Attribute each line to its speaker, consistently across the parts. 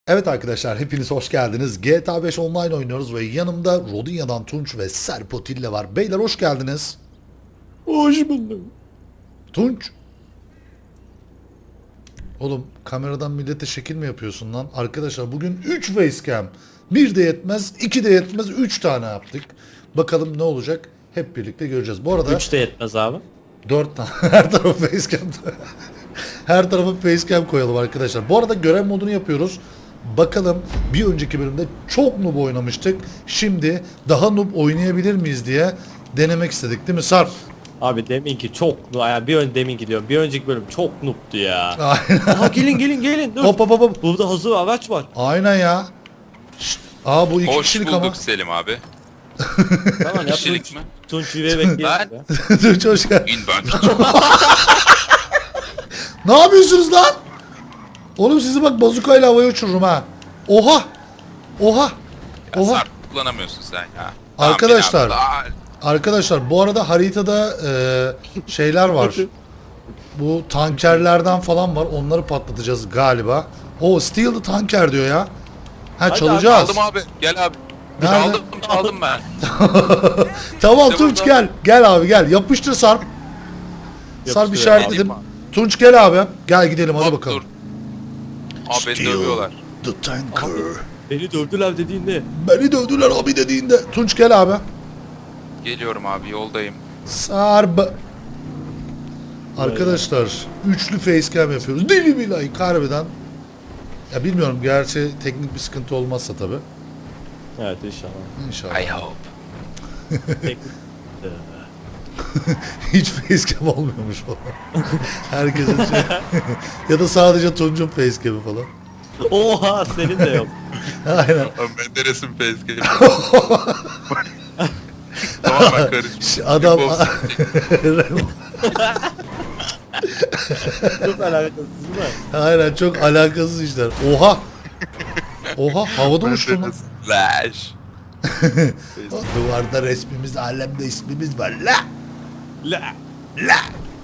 Speaker 1: Evet arkadaşlar hepiniz hoş geldiniz. GTA 5 Online oynuyoruz ve yanımda Rodinya'dan Tunç ve Serpotille var. Beyler hoş geldiniz.
Speaker 2: Hoş buldum.
Speaker 1: Tunç. Oğlum kameradan millete şekil mi yapıyorsun lan? Arkadaşlar bugün 3 facecam. 1 de yetmez, 2 de yetmez, 3 tane yaptık. Bakalım ne olacak? Hep birlikte göreceğiz. Bu arada
Speaker 2: 3 de yetmez abi.
Speaker 1: 4 tane her tarafı facecam. Her tarafa facecam koyalım arkadaşlar. Bu arada görev modunu yapıyoruz. Bakalım bir önceki bölümde çok noob oynamıştık. Şimdi daha noob oynayabilir miyiz diye denemek istedik değil mi Sarp?
Speaker 2: Abi deminki çok yani deminki diyorum. Bir önceki bölüm çok noob'tu ya.
Speaker 1: Aynen.
Speaker 2: Aha gelin dur.
Speaker 1: Hop hop hop hop.
Speaker 2: Burada hazır araç var.
Speaker 1: Aynen ya. Şşt. Aa bu 2
Speaker 3: Hoş
Speaker 1: kişilik
Speaker 3: bulduk
Speaker 1: ama.
Speaker 3: Selim abi.
Speaker 2: Tamam ya
Speaker 3: Kişilik mi?
Speaker 2: Tunç Yüreği bekleyelim
Speaker 3: Ben-
Speaker 2: ya.
Speaker 1: Tunç hoş geldin.
Speaker 3: İn ben.
Speaker 1: Ne yapıyorsunuz lan? Oğlum sizi bak bazukayla havaya uçururum ha. Oha. Oha.
Speaker 3: Ya
Speaker 1: Oha.
Speaker 3: Sarp kullanamıyorsun sen ya.
Speaker 1: Arkadaşlar.
Speaker 3: Tamam, bin abi.
Speaker 1: Arkadaşlar bu arada haritada şeyler var. Bu tankerlerden falan var. Onları patlatacağız galiba. O Steal the Tanker diyor ya. Ha
Speaker 2: Hadi
Speaker 1: çalacağız.
Speaker 3: Aldım abi. Gel abi.
Speaker 1: Nerede?
Speaker 3: Çaldım ben.
Speaker 1: Tamam
Speaker 3: İşte
Speaker 1: Tunç
Speaker 3: burada.
Speaker 1: gel. Gel abi gel. Yapıştır Sarp. Sarp
Speaker 2: Yapıştır
Speaker 1: işaretledim.
Speaker 3: abi.
Speaker 1: Tunç gel abi. Gel gidelim hadi
Speaker 3: Hop,
Speaker 1: bakalım.
Speaker 3: dur. Abi beni dövüyorlar.
Speaker 1: the Tanker.
Speaker 2: Beni dövdüler dediğinde.
Speaker 1: Beni dövdüler abi dediğinde. Tunç gel abi.
Speaker 3: Geliyorum abi yoldayım.
Speaker 1: Sarp. Arkadaşlar üçlü facecam yapıyoruz. Deli billahi harbiden. Ya bilmiyorum gerçi teknik bir sıkıntı olmazsa tabi.
Speaker 2: Evet inşallah.
Speaker 1: İnşallah.
Speaker 3: I hope.
Speaker 2: Tek-
Speaker 1: Hiç facecam olmuyormuş falan. Herkesin şey... ya da sadece Tunç'un facecam'i falan.
Speaker 2: Oha senin de yok.
Speaker 1: Aynen.
Speaker 3: Menderes'in facecam'i. Tamamen karışmış.
Speaker 1: Adam...
Speaker 2: Çok alakasız değil mi?
Speaker 1: Aynen çok alakasız işler. Oha! Oha havada uçtu lan.
Speaker 3: Lash.
Speaker 1: Duvarda resmimiz, alemde ismimiz var. La!
Speaker 2: La.
Speaker 1: La!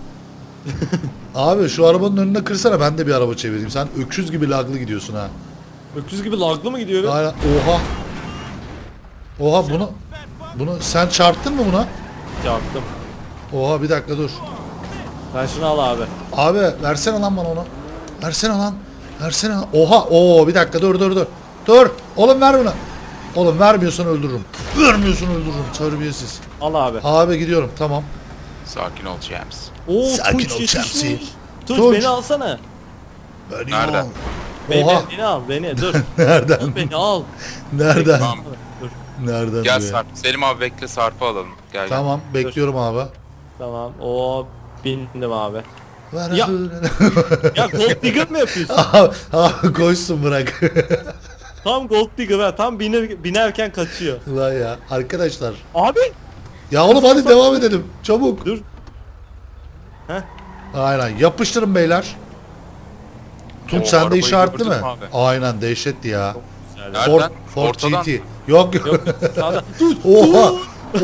Speaker 1: Abi şu arabanın önüne kırsana ben de bir araba çevireyim. Sen öküz gibi laglı gidiyorsun ha.
Speaker 2: Öküz gibi laglı mı gidiyorum?
Speaker 1: Aynen. Oha! Oha bunu sen çarptın mı buna?
Speaker 2: Çarptım.
Speaker 1: Oha bir dakika dur.
Speaker 2: Ben şunu al abi.
Speaker 1: Abi versene lan bana onu. Versene lan. Versene lan. Oha. Oo bir dakika dur. Dur. Oğlum ver bunu. Oğlum vermiyorsan öldürürüm. Vermiyorsan öldürürüm. Terbiyesiz.
Speaker 2: Al abi.
Speaker 1: Abi gidiyorum tamam.
Speaker 3: Sakin ol James.
Speaker 2: Oo
Speaker 1: Sakin
Speaker 2: Tunç
Speaker 1: ol
Speaker 2: yetişmiş.
Speaker 1: Chelsea.
Speaker 2: Tunç
Speaker 1: Tunç.
Speaker 2: beni alsana.
Speaker 1: Beni
Speaker 3: Nerede?
Speaker 1: al.
Speaker 2: Beni,
Speaker 1: Oha.
Speaker 2: beni al beni dur.
Speaker 1: Nereden?
Speaker 2: Beni al.
Speaker 1: Nereden?
Speaker 3: Tamam.
Speaker 2: Dur.
Speaker 1: Nereden?
Speaker 3: Gel
Speaker 1: diyor.
Speaker 3: Sarp. Selim abi bekle Sarp'ı alalım. Gel.
Speaker 1: Tamam bekliyorum abi.
Speaker 2: Tamam. O bindim abi.
Speaker 1: Ver
Speaker 2: Ya.
Speaker 1: abi.
Speaker 2: Ya gold digger mi yapıyorsun?
Speaker 1: Abi koşsun bırak.
Speaker 2: Tam gold digger ha. Tam binerken kaçıyor.
Speaker 1: Ulan ya arkadaşlar.
Speaker 2: Abi.
Speaker 1: Ya oğlum hadi devam edelim. Çabuk.
Speaker 2: Dur. Heh.
Speaker 1: Aynen yapıştırın beyler. Tunç
Speaker 3: Oo,
Speaker 1: sende
Speaker 3: arabayı
Speaker 1: işaretli
Speaker 3: gördün
Speaker 1: mi?
Speaker 3: mü abi?
Speaker 1: Aynen dehşetti ya.
Speaker 2: Güzel.
Speaker 3: Nereden?
Speaker 1: Ford
Speaker 3: Ortadan.
Speaker 1: GT. Yok.
Speaker 2: Yok sağda. Dur.
Speaker 1: Oha.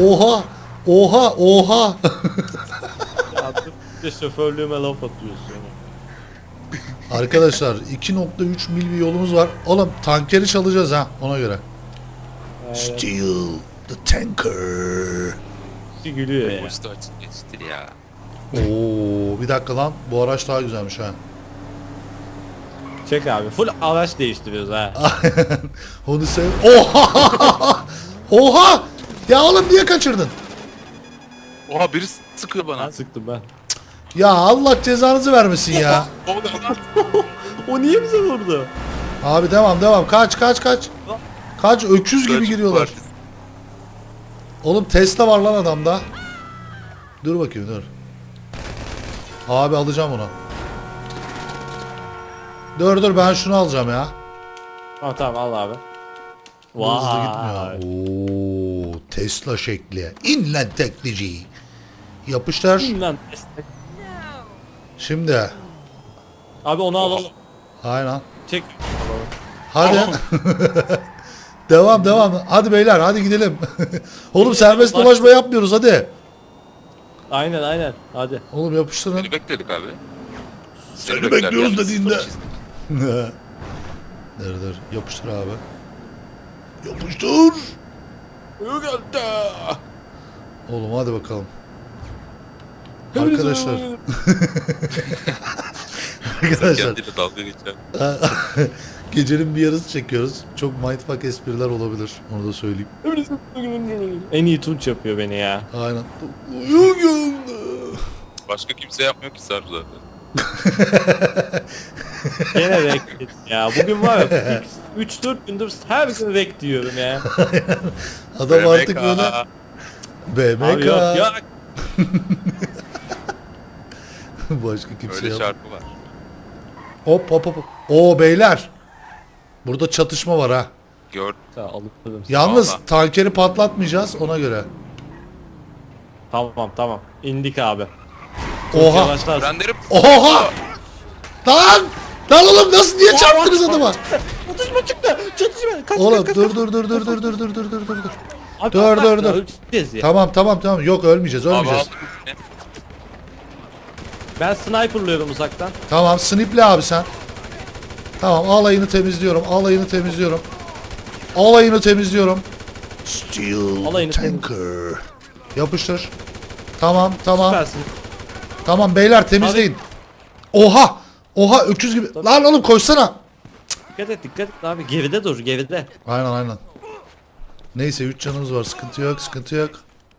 Speaker 1: Oha.
Speaker 2: Ya dur. Bir de şoförlüğüme laf atıyorsun.
Speaker 1: Arkadaşlar 2.3 mil bir yolumuz var. Oğlum tankeri çalacağız ha ona göre.
Speaker 2: Evet.
Speaker 1: Steal the tanker.
Speaker 2: Gülüyor ya.
Speaker 3: Usta açık geçti ya.
Speaker 1: Oo bir dakika lan bu araç daha güzelmiş ha.
Speaker 2: Çek abi. Full araç değiştiriyoruz ha.
Speaker 1: Onu sev. Oha! Oha! Ya oğlum niye kaçırdın?
Speaker 3: Oha biri sıkıyor bana.
Speaker 2: Ben sıktım ben.
Speaker 1: Ya Allah cezanızı vermesin ya.
Speaker 3: O da lan.
Speaker 2: O niye bize vurdu?
Speaker 1: Abi devam. Kaç. Kaç öküz gibi giriyorlar. Oğlum Tesla var lan adamda. Dur bakayım dur. Abi alacağım onu. Dur ben şunu alacağım ya.
Speaker 2: Tamam al abi.
Speaker 1: Bu hızlı gitmiyor. Oo, Tesla şekli. İnlen teknici. Yapıştır.
Speaker 2: Lan destek.
Speaker 1: Şimdi.
Speaker 2: Abi onu alalım.
Speaker 1: Aynen.
Speaker 2: Çek.
Speaker 1: Hadi. devam. Hadi beyler hadi gidelim. Oğlum serbest dolaşma yapmıyoruz hadi.
Speaker 2: Aynen. Hadi.
Speaker 1: Oğlum yapıştırın.
Speaker 3: Seni bekledik abi.
Speaker 1: Seni bekliyoruz
Speaker 3: yalnız.
Speaker 1: dediğinde. Dur. Yapıştır abi. Yapıştır.
Speaker 2: Yok geldi.
Speaker 1: Oğlum hadi bakalım. Arkadaşlar. Arkadaşlar.
Speaker 3: Kendiyle dalga geçer.
Speaker 1: Gecenin bir yarısı çekiyoruz. Çok mindfuck espriler olabilir. Onu da söyleyeyim.
Speaker 2: En iyi Tunç yapıyor beni ya.
Speaker 1: Aynen. Uyuyor geldi.
Speaker 3: Başka kimse yapmıyor ki Sarp zaten.
Speaker 2: Gene rek ya. Bugün var ya 3-4 gündür her gün rek diyorum ya.
Speaker 1: Adam artık
Speaker 3: BMK.
Speaker 1: böyle
Speaker 2: Abi
Speaker 1: BMK.
Speaker 2: yok yok.
Speaker 1: Başka kimse
Speaker 3: Öyle
Speaker 1: yok.
Speaker 3: şarkı var.
Speaker 1: Hop. Oo beyler. Burada çatışma var ha.
Speaker 3: Gör.
Speaker 2: Alıkladım.
Speaker 1: Yalnız
Speaker 3: Vallahi.
Speaker 1: tankeri patlatmayacağız ona göre.
Speaker 2: Tamam. İndik abi. Tunç
Speaker 1: Oha.
Speaker 2: yavaşlarsın.
Speaker 3: Frenlerim.
Speaker 1: Oha! Lan! Lan oğlum nasıl niye çarptınız adama?
Speaker 2: Çatışma çıktı. Çatışma. Kaç
Speaker 1: Oğlum
Speaker 2: kaç.
Speaker 1: dur.
Speaker 2: Abi,
Speaker 1: Dur.
Speaker 2: öleceğiz ya.
Speaker 1: Tamam. Yok ölmeyeceğiz.
Speaker 3: Abi aldım.
Speaker 2: Ben sniperlıyorum uzaktan.
Speaker 1: Tamam sniple abi sen. Tamam alayını temizliyorum. Steel
Speaker 2: Alayını
Speaker 1: tanker. Yapıştır. Tamam.
Speaker 2: Süpersin.
Speaker 1: Tamam beyler temizleyin. Oha öküz gibi. Lan oğlum koşsana.
Speaker 2: Dikkat et abi. Geride dur geride.
Speaker 1: Aynen. Neyse 3 canımız var. Sıkıntı yok.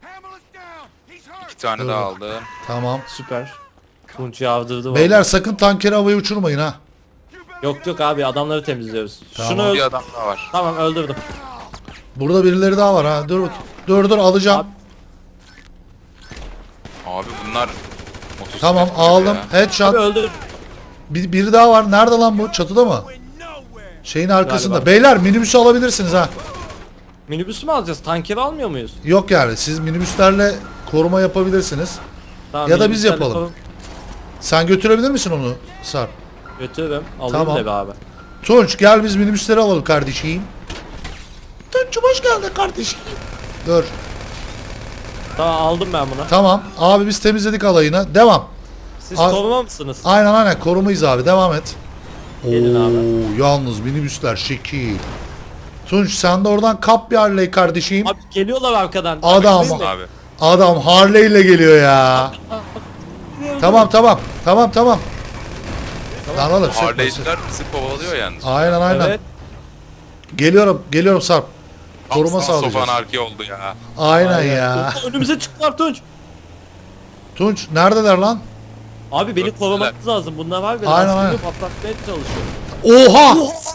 Speaker 3: 2 tane
Speaker 1: Dur.
Speaker 3: daha aldım.
Speaker 1: Tamam.
Speaker 2: Süper. Tunç yavdırdı.
Speaker 1: Beyler
Speaker 2: vallahi.
Speaker 1: sakın tankeri havaya uçurmayın ha.
Speaker 2: Yok abi adamları temizliyoruz.
Speaker 1: Tamam.
Speaker 2: Şunu
Speaker 3: Bir adam daha var.
Speaker 2: Tamam öldürdüm.
Speaker 1: Burada birileri daha var ha. Dur alacağım.
Speaker 2: Abi-
Speaker 3: Abi bunlar motosiklet
Speaker 1: Tamam
Speaker 3: gibi
Speaker 1: aldım.
Speaker 3: ya.
Speaker 1: Headshot.
Speaker 2: Abi öldür.
Speaker 1: Biri daha var. Nerede lan bu? Çatıda mı? Şeyin arkasında.
Speaker 2: Galiba.
Speaker 1: Beyler minibüsü alabilirsiniz ha.
Speaker 2: Minibüsü mü alacağız? Tankeri almıyor muyuz?
Speaker 1: Yok yani siz minibüslerle koruma yapabilirsiniz.
Speaker 2: Tamam,
Speaker 1: Ya da biz
Speaker 2: minibüslerle
Speaker 1: yapalım.
Speaker 2: falan
Speaker 1: Sen götürebilir misin onu Sarp?
Speaker 2: Götürürüm. Alayım
Speaker 1: Tamam.
Speaker 2: da be abi.
Speaker 1: Tunç gel biz minibüsleri alalım kardeşim. Tunç'um hoş geldin kardeşim. Dur.
Speaker 2: Tamam aldım ben bunu.
Speaker 1: Tamam. Abi biz temizledik alayını. Devam.
Speaker 2: Siz
Speaker 1: Al-
Speaker 2: koruma mısınız?
Speaker 1: Aynen korumayız abi. Devam et.
Speaker 2: Gelin abi.
Speaker 1: Yalnız minibüsler şekil. Tunç sen de oradan kap bir Harley kardeşim.
Speaker 2: Abi geliyorlar arkadan.
Speaker 1: Adam.
Speaker 2: Abi,
Speaker 3: Abi.
Speaker 1: Adam Harley ile geliyor ya. Tamam. Lan oğlum sıkma, sıkma.
Speaker 3: Harley'ciler bizi kovalıyor yalnız.
Speaker 1: Aynen.
Speaker 2: Evet.
Speaker 1: Geliyorum Sarp. Koruma
Speaker 3: Aslan
Speaker 1: sağlayacağız.
Speaker 3: Sofan arki oldu ya.
Speaker 1: Aynen ya.
Speaker 2: Önümüze çıktılar Tunç.
Speaker 1: Tunç neredeler lan?
Speaker 2: Abi beni
Speaker 3: Dört
Speaker 2: korumanız lazım. Bunlar var ya.
Speaker 1: Aynen,
Speaker 2: Aynen
Speaker 1: aynen.
Speaker 2: patlatmaya çalışıyor.
Speaker 1: Oha!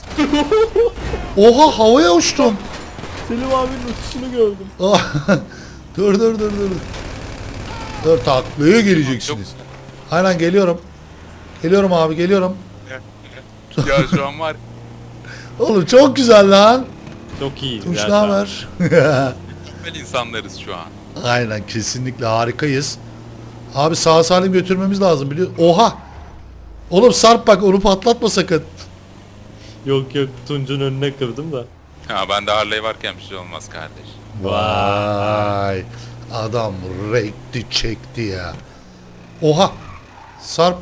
Speaker 1: Oha havaya uçtum.
Speaker 2: Selim abinin uçuşunu gördüm.
Speaker 1: dur. Dur taklaya geleceksiniz. Aynen geliyorum. Geliyorum abi geliyorum.
Speaker 3: Ya şu an var.
Speaker 1: Oğlum çok güzel lan.
Speaker 2: Çok iyi.
Speaker 1: Tunç
Speaker 2: ya
Speaker 1: ne
Speaker 2: şu an.
Speaker 1: haber?
Speaker 3: Mükemmel insanlarız şu an.
Speaker 1: Aynen kesinlikle harikayız. Abi sağ salim götürmemiz lazım biliyor. Oha! Oğlum Sarp bak onu patlatma sakın.
Speaker 2: Yok Tunç'un önüne kırdım da.
Speaker 3: Ha ben de Harley varken bir şey olmaz kardeş.
Speaker 1: Vay. Adam renkli çekti ya. Oha! Sarp.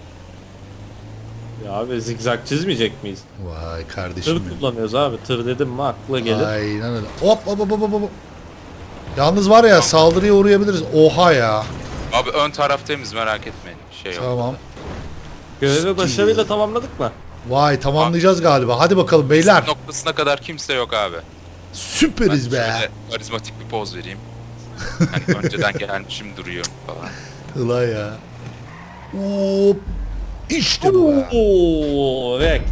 Speaker 2: Ya abi zigzag çizmeyecek miyiz?
Speaker 1: Vay kardeşim
Speaker 2: Tır
Speaker 1: benim.
Speaker 2: kullanıyoruz abi. Tır dedim mi akla gelir.
Speaker 1: Aynen öyle. Hop. Yalnız var ya saldırıya uğrayabiliriz. Oha ya.
Speaker 3: Abi ön taraf temiz merak etmeyin. Şey yok.
Speaker 1: Tamam.
Speaker 2: Görevi başarıyla tamamladık mı?
Speaker 1: Vay tamamlayacağız galiba. Hadi bakalım beyler.
Speaker 3: Noktasına kadar kimse yok abi. Ben
Speaker 1: Süperiz be.
Speaker 3: şöyle karizmatik bir poz vereyim. Hani önceden gelmişim duruyorum falan.
Speaker 1: Ulan ya. Hop. İşte bu be.
Speaker 2: Ooo rekt.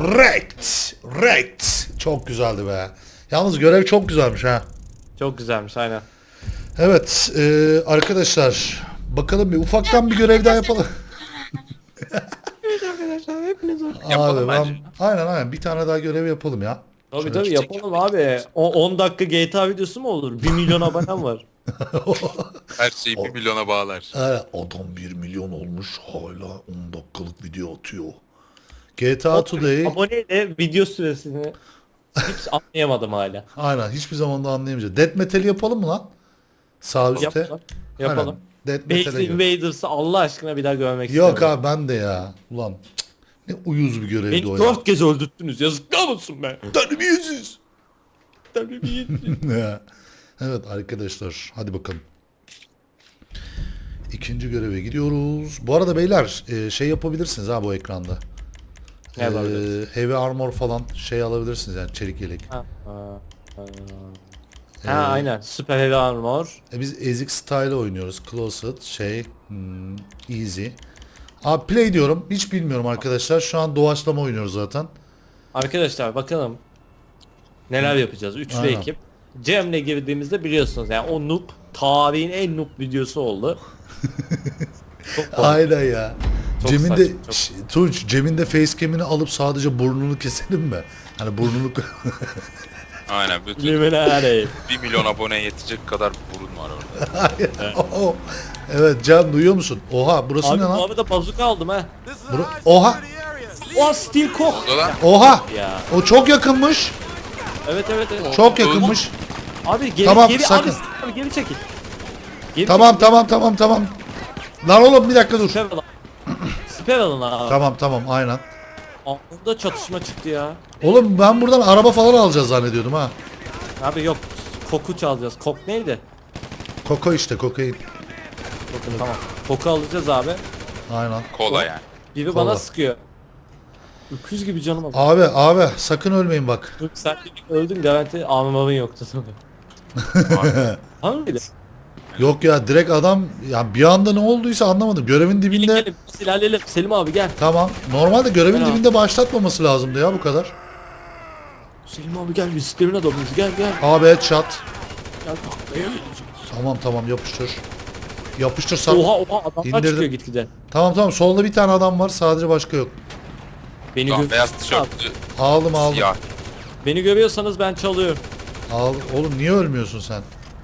Speaker 1: Rekt. Çok güzeldi be. Yalnız görev çok güzelmiş ha.
Speaker 2: Çok güzelmiş aynen.
Speaker 1: Evet arkadaşlar. Bakalım bir ufaktan bir görev daha yapalım.
Speaker 2: Evet arkadaşlar hepiniz
Speaker 3: Yapalım
Speaker 1: Abi
Speaker 3: bence.
Speaker 1: aynen bir tane daha görev yapalım ya.
Speaker 2: Tabii
Speaker 1: Şöyle
Speaker 2: yapalım abi. 10 dakika GTA videosu mu olur? 1 milyon abonem var.
Speaker 3: Her şeyi 1 milyona bağlar.
Speaker 1: Adam 1 milyon olmuş hala 10 dakikalık video atıyor. GTA Today
Speaker 2: Aboneyle video süresini hiç anlayamadım hala.
Speaker 1: aynen hiçbir zaman da anlayamayacağız. Death Metal yapalım mı lan? Sağ üstte.
Speaker 2: Yapalım. Yapalım.
Speaker 1: Aynen. Death
Speaker 2: Base
Speaker 1: Metal'e gir.
Speaker 2: Invaders'ı Allah aşkına bir daha görmek
Speaker 1: Yok
Speaker 2: istiyorum.
Speaker 1: abi ben de ya. Ulan Ne uyuz bir görevdi
Speaker 2: Beni
Speaker 1: o ya.
Speaker 2: 4 kez öldürttünüz. Yazıklar olsun be.
Speaker 1: Terbiyesiz.
Speaker 2: Terbiyesiz.
Speaker 1: Evet arkadaşlar hadi bakalım. İkinci göreve gidiyoruz. Bu arada beyler şey yapabilirsiniz ha bu ekranda.
Speaker 2: Ne yapabiliriz?
Speaker 1: Heavy armor falan şey alabilirsiniz yani çelik yelek.
Speaker 2: Ha aynen. Süper Heavy Armor.
Speaker 1: Biz ezik style oynuyoruz. Closet şey easy. Abi play diyorum. Hiç bilmiyorum arkadaşlar. Şu an doğaçlama oynuyoruz zaten.
Speaker 2: Arkadaşlar bakalım neler yapacağız. Üçlü
Speaker 1: Aynen.
Speaker 2: ekip. Cem'le girdiğimizde biliyorsunuz yani o noob tarihin en noob videosu oldu. Çok komik.
Speaker 1: Aynen ya.
Speaker 2: Çok
Speaker 1: Cem'in de
Speaker 2: saçma, çok-
Speaker 1: Tunç, Cem'in de facecam'ini alıp sadece burnunu keselim mi? Hani burnunu
Speaker 3: Aynen bütün
Speaker 2: Luminary.
Speaker 3: 1 milyon aboneye yetecek kadar burun var orada.
Speaker 1: Evet Can duyuyor musun? Oha burası
Speaker 2: Abi
Speaker 1: ne
Speaker 2: bu
Speaker 1: lan?
Speaker 2: arada bazuka aldım ha.
Speaker 1: Oha!
Speaker 2: O Steel Cock.
Speaker 3: Oldu lan.
Speaker 1: Oha!
Speaker 2: Ya.
Speaker 1: O çok yakınmış.
Speaker 2: Evet evet evet.
Speaker 1: Çok yakınmış.
Speaker 2: Abi geri
Speaker 1: Tamam,
Speaker 2: geri
Speaker 1: sakın.
Speaker 2: abi geri çekil. Geri
Speaker 1: Tamam tamam. Lan oğlum bir dakika dur.
Speaker 2: Siper alın. Siper alın abi.
Speaker 1: Tamam aynen.
Speaker 2: Burada çatışma çıktı ya.
Speaker 1: Oğlum ben buradan araba falan alacağız zannediyordum ha.
Speaker 2: Abi yok. Koku çalacağız. Kok neydi?
Speaker 1: Koko işte kokain.
Speaker 2: Tamam. Koku alacağız abi.
Speaker 1: Aynen.
Speaker 3: Kola yani.
Speaker 2: Biri
Speaker 1: Kola.
Speaker 2: bana sıkıyor. Öküz gibi canım aldı.
Speaker 1: Abi sakın ölmeyin bak.
Speaker 2: Dur sen de öldün garanti armamın yoktu sana. Hangi mıydı?
Speaker 1: Yok ya direkt adam ya bir anda ne olduysa anlamadım. Görevin
Speaker 2: Gelin
Speaker 1: dibinde
Speaker 2: gelin biz ilerleyelim. Selim abi gel.
Speaker 1: tamam. Normalde görevin
Speaker 2: Tamam.
Speaker 1: dibinde başlatmaması lazımdı ya bu kadar.
Speaker 2: Selim abi gel biz sistemin adamıyız gel gel.
Speaker 1: Abi headshot.
Speaker 2: Gel taklaya geleceğiz.
Speaker 1: Tamam yapıştır. Yapıştır sar.
Speaker 2: Oha adamlar
Speaker 1: İndirdim.
Speaker 2: çıkıyor gitgide.
Speaker 1: Tamam solda bir tane adam var sadece başka yok.
Speaker 2: Beni
Speaker 3: Tamam, beyaz
Speaker 2: görüyorsanız
Speaker 3: tişörtlü
Speaker 1: Aldım.
Speaker 3: siyah.
Speaker 2: Beni görüyorsanız ben çalıyorum.
Speaker 1: Oğlum niye ölmüyorsun sen?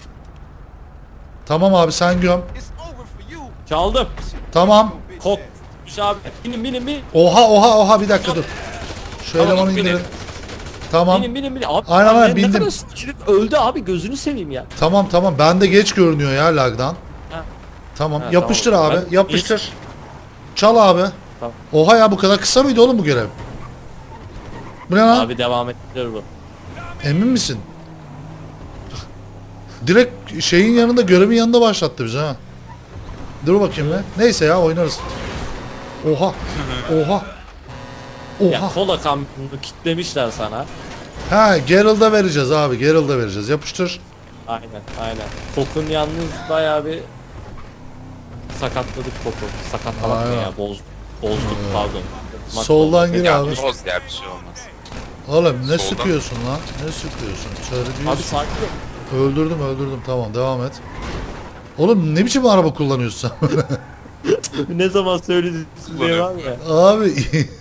Speaker 1: Tamam abi sen göm.
Speaker 2: Çaldım.
Speaker 1: Tamam.
Speaker 2: Kok. Abi binin.
Speaker 1: Oha bir dakika dur. Şu
Speaker 3: Tamam,
Speaker 1: elemanı
Speaker 3: binin.
Speaker 1: indirin. Tamam.
Speaker 2: Binin. Abi
Speaker 1: Aynen,
Speaker 2: ne
Speaker 1: bindim.
Speaker 2: kadar sıçrayıp öldü abi gözünü seveyim ya.
Speaker 1: Tamam. Bende geç görünüyor ya lagdan.
Speaker 2: Ha.
Speaker 1: Tamam.
Speaker 2: Ha,
Speaker 1: Yapıştır
Speaker 2: tamam.
Speaker 1: abi.
Speaker 2: Ben-
Speaker 1: Yapıştır. Çal abi.
Speaker 2: Tamam.
Speaker 1: Oha ya bu kadar kısa mıydı oğlum bu görev? Bu ne lan?
Speaker 2: Abi devam ettirir bu.
Speaker 1: Emin misin? Direkt şeyin yanında görevin yanında başlattı bizi ha. Dur bakayım be. Neyse ya oynarız. Oha.
Speaker 2: Ya kola kamyonunu kitlemişler sana.
Speaker 1: Ha Geralt'a vereceğiz abi. Geralt'a vereceğiz. Yapıştır.
Speaker 2: Aynen. Kokun yalnız bayağı bir sakatladık koku. Sakatlamak ne
Speaker 1: Aynen.
Speaker 2: ya bozduk pardon.
Speaker 1: Soldan gir
Speaker 3: Ya
Speaker 1: abi.
Speaker 3: boz ya bir şey olmaz.
Speaker 1: Oğlum ne
Speaker 3: Soldan.
Speaker 1: sıkıyorsun lan? Ne sıkıyorsun?
Speaker 2: Abi
Speaker 1: Terbiyesiz.
Speaker 2: sakin ol.
Speaker 1: Öldürdüm. Tamam devam et. Oğlum ne biçim araba kullanıyorsun sen?
Speaker 2: Ne zaman söyledin diye var ya.
Speaker 1: Abi.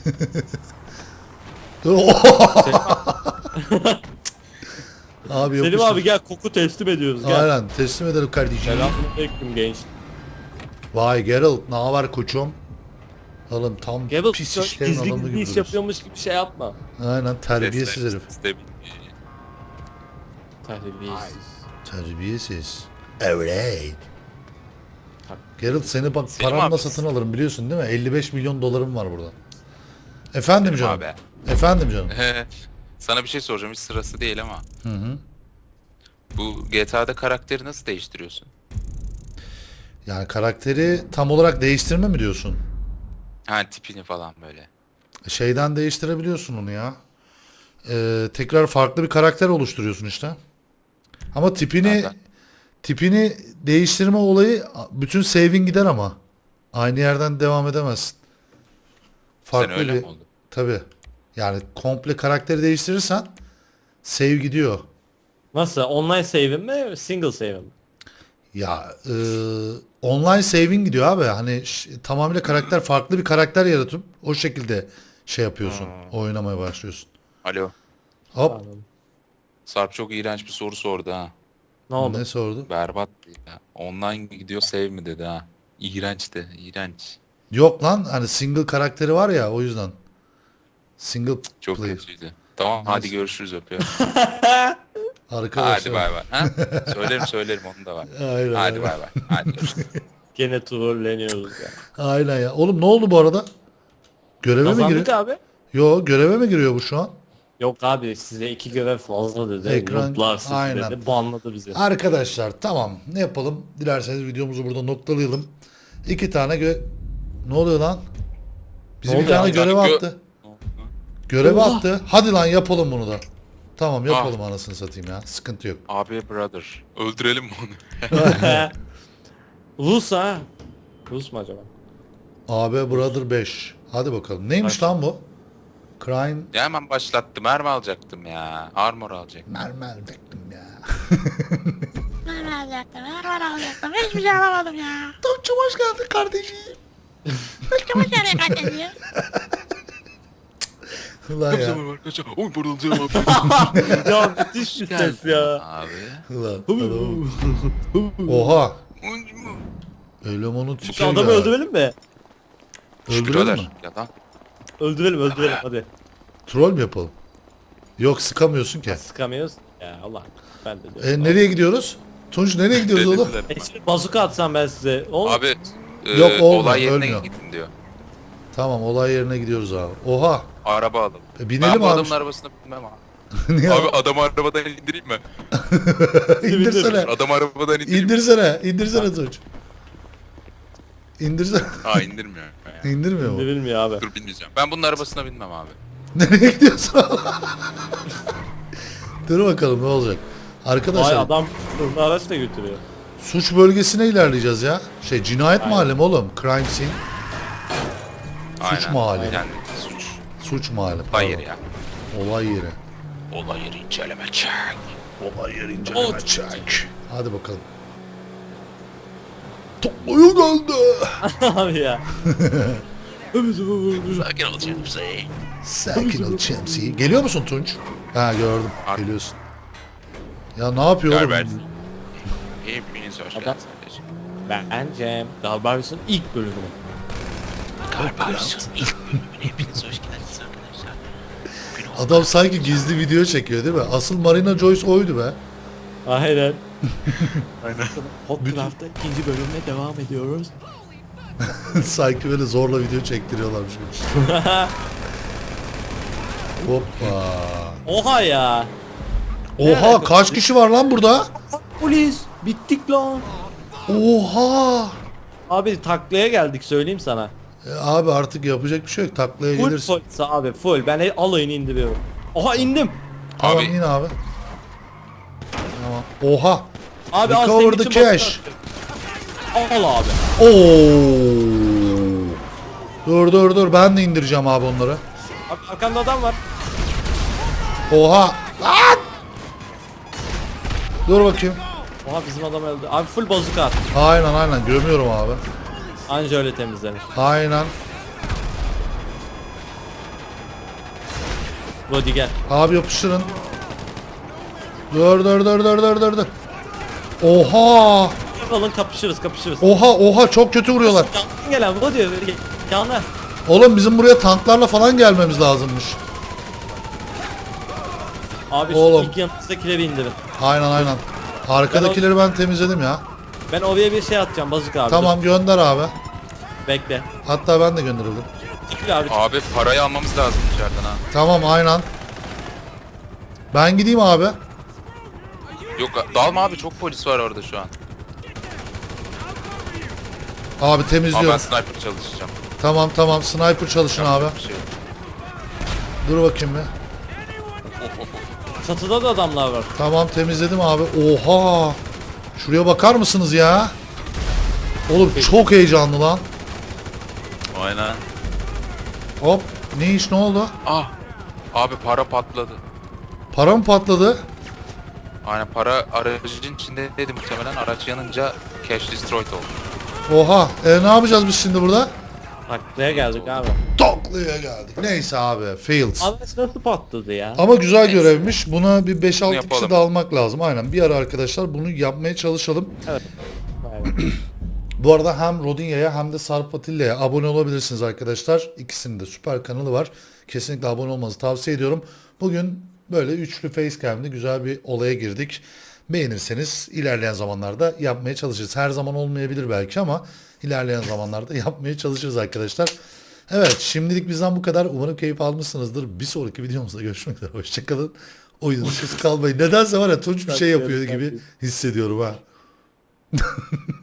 Speaker 1: Abi
Speaker 2: Selim
Speaker 1: yapıştır.
Speaker 2: abi gel koku teslim ediyoruz gel.
Speaker 1: Aynen teslim edelim kardeşim.
Speaker 2: Selamünaleyküm genç.
Speaker 1: Vay Geralt ne haber koçum? Oğlum tam
Speaker 2: Gable
Speaker 1: pis işlerin
Speaker 2: gizli
Speaker 1: adamı
Speaker 2: gizli
Speaker 1: gibi
Speaker 2: iş
Speaker 1: duruyorsun.
Speaker 2: yapıyormuş gibi şey yapma.
Speaker 1: Aynen terbiyesiz herif.
Speaker 2: Terbiyesiz.
Speaker 1: Terbiyesiz. Evet.
Speaker 2: Tabii.
Speaker 1: Geralt seni bak
Speaker 3: Selim
Speaker 1: paranla
Speaker 3: abi.
Speaker 1: satın alırım biliyorsun değil mi? 55 milyon dolarım var burada. Efendim
Speaker 3: Selim
Speaker 1: canım.
Speaker 3: abi.
Speaker 1: Efendim canım.
Speaker 3: Sana bir şey soracağım, hiç sırası değil ama.
Speaker 1: Hı.
Speaker 3: Bu GTA'da karakteri nasıl değiştiriyorsun?
Speaker 1: Yani karakteri tam olarak değiştirme mi diyorsun?
Speaker 3: Ha tipini falan böyle.
Speaker 1: Şeyden değiştirebiliyorsun onu ya. Tekrar farklı bir karakter oluşturuyorsun işte. Ama
Speaker 3: Nereden?
Speaker 1: tipini değiştirme olayı bütün save'in gider ama. Aynı yerden devam edemezsin.
Speaker 3: Sen öyle mi oldu?
Speaker 1: Tabii. Yani komple karakteri değiştirirsen save gidiyor.
Speaker 2: Nasıl? Online save'im mi? Single save'im mi?
Speaker 1: Ya online save'in gidiyor abi. Hani tamamıyla karakter farklı bir karakter yaratıp o şekilde şey yapıyorsun. Oynamaya başlıyorsun.
Speaker 3: Alo.
Speaker 1: Hop.
Speaker 2: Anladım.
Speaker 3: Sarp çok iğrenç bir soru sordu ha.
Speaker 2: Ne oldu?
Speaker 1: Ne sordu?
Speaker 3: Berbat ya. Online gidiyor save mi dedi ha. İğrençti. İğrenç.
Speaker 1: Yok lan hani single karakteri var ya o yüzden. Single
Speaker 3: Çok
Speaker 1: player.
Speaker 3: kötüydü. Tamam hadi görüşürüz öpüyorum.
Speaker 1: Arkadaşlar.
Speaker 3: Hadi bay bay. Ha? Söylerim onu da var.
Speaker 1: Aynen,
Speaker 3: Hadi
Speaker 1: aynen.
Speaker 3: bay bay. Hadi görüşürüz.
Speaker 2: Gene trolleniyoruz ya.
Speaker 1: Aynen ya. Oğlum ne oldu bu arada? Göreve mi
Speaker 2: Kazandık
Speaker 1: giriyor?
Speaker 2: abi.
Speaker 1: Yo, göreve mi giriyor bu şu an?
Speaker 2: Yok abi size 2 görev fazla dedi.
Speaker 1: Ekran-
Speaker 2: Noob'lar sizi
Speaker 1: aynen.
Speaker 2: dedi. Banladı bizi.
Speaker 1: Arkadaşlar tamam, ne yapalım? Dilerseniz videomuzu burada noktalayalım. 2 tane ne oluyor lan? Bizi
Speaker 2: Ne
Speaker 1: bir
Speaker 2: oluyor
Speaker 1: tane
Speaker 3: abi?
Speaker 1: görev
Speaker 3: Yani
Speaker 1: attı. Görevi
Speaker 2: Oha.
Speaker 1: attı. Hadi lan yapalım bunu da. Tamam yapalım anasını satayım ya. Sıkıntı yok.
Speaker 3: Abi brother. Öldürelim mi onu?
Speaker 2: Rus ha. Rus mu acaba?
Speaker 1: AB Brother 5. Hadi bakalım. Neymiş lan bu? Crime
Speaker 3: Ya hemen başlattım. Mermi alacaktım ya. Armor alacaktım.
Speaker 1: mermer bektim ya.
Speaker 4: Ben alacaktım. Hiçbir şey alamadım ya.
Speaker 1: Tonçum hoş geldin kardeşim.
Speaker 4: Kıçımı nereye kaçırıyor?
Speaker 1: Ulan ya.
Speaker 3: arkadaşlar. Oy pırılacağım abi.
Speaker 2: Ya müthiş bir ses ya.
Speaker 3: Abi.
Speaker 1: Ulan. Oha. Elemanın
Speaker 2: Şu
Speaker 1: tipi
Speaker 2: adamı
Speaker 1: ya.
Speaker 2: öldürelim mi?
Speaker 1: Öldürelim mi?
Speaker 3: Yalan.
Speaker 2: Öldürelim hadi.
Speaker 1: Troll mü yapalım? Yok, sıkamıyorsun ki.
Speaker 2: Sıkamıyoruz. Ya Allah. Ben de diyorum.
Speaker 1: Nereye gidiyoruz? Tunç nereye gidiyoruz oğlum?
Speaker 2: Şimdi bazuka atsam ben size. O
Speaker 3: Abi
Speaker 1: Yok, olmuyor,
Speaker 3: olay yerine
Speaker 1: ölmüyor.
Speaker 3: gittin diyor.
Speaker 1: Tamam, olay yerine gidiyoruz abi. Oha.
Speaker 3: Araba alalım.
Speaker 1: Binelim
Speaker 3: Ben bu
Speaker 1: abi.
Speaker 3: adamın arabasına binmem abi.
Speaker 1: Niye
Speaker 3: Abi adamı arabadan indireyim mi?
Speaker 1: İndirsene.
Speaker 3: Adamı arabadan indireyim mi?
Speaker 1: İndirsene Tunç. İndirsene.
Speaker 3: Aa indirmiyor. Ya.
Speaker 1: İndirmiyor mu?
Speaker 2: bilmiyor abi.
Speaker 3: Dur binmeyeceğim. Ben bunun arabasına binmem abi.
Speaker 1: Nereye gidiyorsun? Dur bakalım ne olacak.
Speaker 2: Vay
Speaker 1: Arkadaşlar
Speaker 2: adam fırında araç da götürüyor.
Speaker 1: suç bölgesine ilerleyeceğiz ya. Cinayet
Speaker 2: Aynen.
Speaker 1: mahalli mi oğlum? Crime scene.
Speaker 3: Aynen.
Speaker 1: mahalli.
Speaker 3: Yani suç.
Speaker 1: Suç mahalli.
Speaker 3: Olay
Speaker 1: pardon.
Speaker 3: yeri ya.
Speaker 1: Olay yeri.
Speaker 3: Olay yeri inceleme çek.
Speaker 1: Olay yeri inceleme çek. Hadi bakalım. Toplaya geldi.
Speaker 2: abi ya.
Speaker 3: Sakin ol Chelsea.
Speaker 1: Sakin ol Chelsea. Geliyor musun Tunç? Ha gördüm.
Speaker 3: Ar-
Speaker 1: Geliyorsun. Ya ne yapıyor oğlum?
Speaker 3: Garbers. Hepiniz hoş
Speaker 2: Adam-
Speaker 3: geldiniz kardeşim.
Speaker 2: Bence Garbaris'in ilk bölümü.
Speaker 3: Garbers'ın ilk bölümüne hepiniz hoş geldiniz arkadaşlar. Bugün o
Speaker 1: Adam sanki gizli video çekiyor değil mi? Asıl Marina Joyce oydu be.
Speaker 2: Aynen.
Speaker 3: Aynen.
Speaker 2: Hotcraft'ta ikinci bölümle devam ediyoruz.
Speaker 1: Sanki böyle zorla video çektiriyorlarmış gibi. Hoppa.
Speaker 2: Oha ya.
Speaker 1: Oha, kaç kişi var lan burada?
Speaker 2: Polis. Bittik lan.
Speaker 1: Oha.
Speaker 2: Abi taklaya geldik söyleyeyim sana.
Speaker 1: Abi artık yapacak bir şey yok. Taklaya
Speaker 2: Full
Speaker 1: gelirsin.
Speaker 2: polis abi full. Ben alayını indiriyorum. Oha indim.
Speaker 1: Tamam,
Speaker 3: Abi-
Speaker 1: in abi. Tamam. Oha.
Speaker 2: Abi
Speaker 1: Recover
Speaker 2: senin
Speaker 1: the
Speaker 2: için
Speaker 1: cash.
Speaker 2: basın. Al abi.
Speaker 1: Oo. Dur. Ben de indireceğim abi onları.
Speaker 2: Abi arkanda adam var.
Speaker 1: Oha. Lan! Dur bakayım.
Speaker 2: Oha bizim adam öldü. Abi full bazuka at.
Speaker 1: Aynen gömüyorum abi.
Speaker 2: Anca öyle temizlenir.
Speaker 1: Aynen.
Speaker 2: Body gel.
Speaker 1: Abi yapıştırın. Dur. Oha.
Speaker 2: Alın kapışırız.
Speaker 1: Oha çok kötü vuruyorlar.
Speaker 2: Yandan gelen Body yana.
Speaker 1: Oğlum bizim buraya tanklarla falan gelmemiz lazımmış.
Speaker 2: Abi
Speaker 1: Oğlum.
Speaker 2: şu ilk yanımızdakileri indirin.
Speaker 1: Aynen. Arkadakileri ben temizledim ya.
Speaker 2: Ben oraya bir şey atacağım bazuka abi.
Speaker 1: Tamam, gönder abi.
Speaker 2: Dur, bekle.
Speaker 1: Hatta ben de gönderildim.
Speaker 2: Çekil abi.
Speaker 3: Abi parayı almamız lazım içeriden ha.
Speaker 1: Tamam, aynen. Ben gideyim abi.
Speaker 3: Yok dalma abi çok polis var orada şu an.
Speaker 1: Abi
Speaker 3: Ama ben
Speaker 1: temizliyorum.
Speaker 3: sniper çalışacağım.
Speaker 1: Tamam. Sniper çalışın abi.
Speaker 3: Bir şey yok.
Speaker 1: Dur bakayım bir.
Speaker 2: Çatıda da adamlar var.
Speaker 1: Tamam, temizledim abi. Oha. Şuraya bakar mısınız ya? Oğlum çok heyecanlı lan.
Speaker 3: Aynen.
Speaker 1: Hop. Ne oldu?
Speaker 3: Ah. Abi para patladı.
Speaker 1: Para mı patladı?
Speaker 3: Aynen para aracın içinde dedi muhtemelen araç yanınca cash destroyed oldu.
Speaker 1: Oha. Ne yapacağız biz şimdi burada?
Speaker 2: Taklaya geldik abi.
Speaker 1: Toklu'ya geldik. Neyse abi. Failed.
Speaker 2: Araç nasıl patladı ya?
Speaker 1: Ama güzel görevmiş. Buna bir 5-6 kişi
Speaker 3: yapalım.
Speaker 1: de almak lazım. Aynen. Bir ara arkadaşlar bunu yapmaya çalışalım.
Speaker 2: Evet. Aynen.
Speaker 1: Bu arada hem Rodinya'ya hem de Sarp Atilla'ya abone olabilirsiniz arkadaşlar. İkisinin de süper kanalı var. Kesinlikle abone olmanızı tavsiye ediyorum. Bugün böyle üçlü facecam'de güzel bir olaya girdik. Beğenirseniz ilerleyen zamanlarda yapmaya çalışırız. Her zaman olmayabilir belki ama ilerleyen zamanlarda yapmaya çalışırız arkadaşlar. Evet, şimdilik bizden bu kadar. Umarım keyif almışsınızdır. Bir sonraki videomuzda görüşmek üzere. Hoşçakalın. Oyunsuz kalmayın. Nedense var ya Tunç bir şey yapıyor gibi hissediyorum ha.